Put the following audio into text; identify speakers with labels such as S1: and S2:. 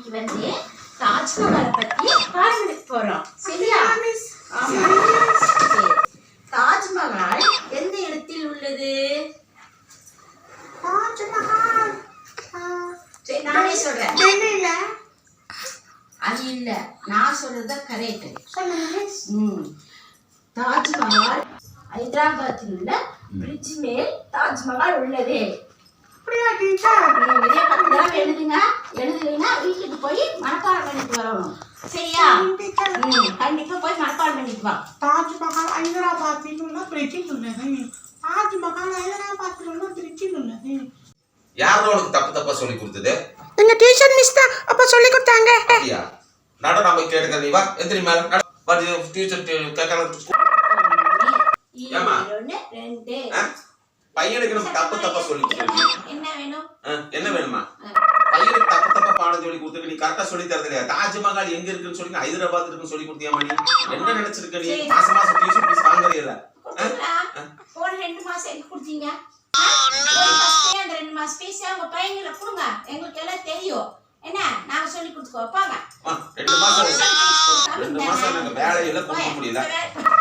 S1: இன்னைக்கு வந்து தாஜ்மஹாலை பத்தி பாடம் எடுக்க போறோம். சரியா? ஆமா. சரி. தாஜ்மஹால் எந்த இடத்தில் உள்ளது?
S2: தாஜ்மஹால்
S1: சரி, நானே சொல்றேன்.
S2: டெல்லியில.
S1: அது இல்ல, நான் சொல்றது கரெக்ட்.
S2: சொல்லுங்க.
S1: தாஜ்மஹால் ஹைதராபாத்தில் உள்ள பிரிட்ஜ் மேல் தாஜ்மஹால் உள்ளது.
S2: அப்படியா டீச்சர்?
S1: இதே பத்திரம் எழுதுங்க. எழுதுலைன்னா வீட்டுக்கு போய் மனப்பாடம் பண்ணிட்டு வரணும். சரியா? கண்டிப்பா போய் மனப்பாடம் பண்ணிட்டு வா.
S2: தாஜ்மஹால் ஹைதராபாத்தில் உள்ள பிரிட்ஜில் உள்ளது. தாஜ்மஹால் ஹைதராபாத்தில் உள்ள பிரிட்ஜில் உள்ளது.
S3: யாரோ உனக்கு தப்பா சொல்லி கொடுத்தது?
S2: எங்க டீச்சர் மிஸ் தான் அப்ப சொல்லி கொடுத்தாங்க.
S3: அப்படியா? நட நாம கேட்க நீ வா. எந்திரி மேல நட. பட் டீச்சர் கேட்கலாம். ஏமா?
S1: 2
S3: பையனுக்கு நம்ம தப்பா சொல்லி கொடுத்துருக்கீங்க.
S1: என்ன வேணும்?
S3: என்ன வேணுமா? பையனுக்கு தப்பா பாடம் சொல்லி கொடுத்துருக்கு. நீ கரெக்டா சொல்லி தரது இல்லையா? தாஜ்மஹால் எங்க இருக்குன்னு சொல்லி ஹைதராபாத் இருக்குன்னு சொல்லி கொடுத்தியாமா? நீ என்ன நினைச்சிருக்க? நீ மாசம் டியூஷன் ஃபீஸ் வாங்குறீல்ல?
S1: போன 2 மாசம் எனக்கு கொடுத்தீங்க. அந்த 2 மாசம் ஃபீஸ் உங்க பையன்களை கொடுங்க. எங்களுக்கு எல்லாம் தெரியும். என்ன நாங்க சொல்லி கொடுத்துக்கோ. பாங்க
S3: 2 மாசம் எனக்கு வேலையில கொடுக்க முடியல.